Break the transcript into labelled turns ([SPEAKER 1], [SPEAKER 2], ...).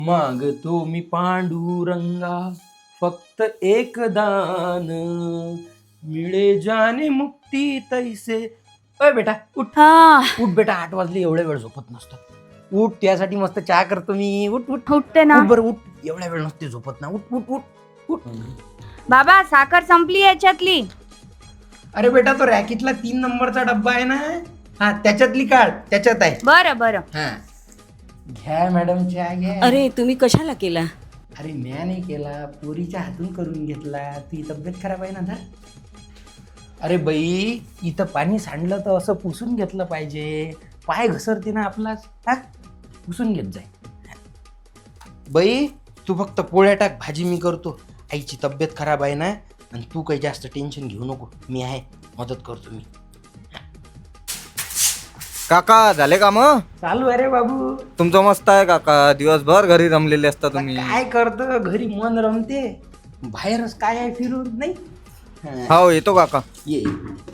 [SPEAKER 1] मागतो मी पांडुरंगा फक्त एक दान, मिळे जाने मुक्ती तैसे. अय बेटा उठ
[SPEAKER 2] हा
[SPEAKER 1] उठ बेटा, 8 वाजले, एवढ्या वेळ झोपत नसतं. उठ, त्यासाठी मस्त चहा करतो मी. उठ उठ
[SPEAKER 2] उठते ना
[SPEAKER 1] उठ बरं उठ, एवढ्या वेळ नसते झोपत ना. उठ उठ उठ उठ.
[SPEAKER 2] बाबा, साखर संपली याच्यातली.
[SPEAKER 1] अरे बेटा, तो रॅकेटला 3 नंबरचा डब्बा आहे ना, हा त्याच्यातली काढ, त्याच्यात आहे.
[SPEAKER 2] बरं बरं.
[SPEAKER 1] हा घ्या मॅडम, चहा घ्या.
[SPEAKER 3] अरे तुम्ही कशाला केला?
[SPEAKER 1] अरे म्या नाही केला, पोरीच्या हातून करून घेतला. तुझी तब्येत खराब आहे ना धर. अरे बाई, इथं पाणी सांडलं तर असं पुसून घेतलं पाहिजे. पाय घसरते ना आपलाच, हा पुसून घेत जाय. बाई तू फक्त पोळ्या टाक, भाजी मी करतो. आईची तब्येत खराब आहे ना, आणि तू काही जास्त टेन्शन घेऊ नको, मी आहे, मदत करतो मी.
[SPEAKER 4] काका झाले का मग?
[SPEAKER 1] चालू आहे रे बाबू.
[SPEAKER 4] तुमचं मस्त आहे काका, दिवसभर घरी रमलेले असता तुम्ही.
[SPEAKER 1] काय करतो, घरी मन रमते, बाहेरच काय आहे फिरून नाही.
[SPEAKER 4] हो येतो काका.
[SPEAKER 1] ये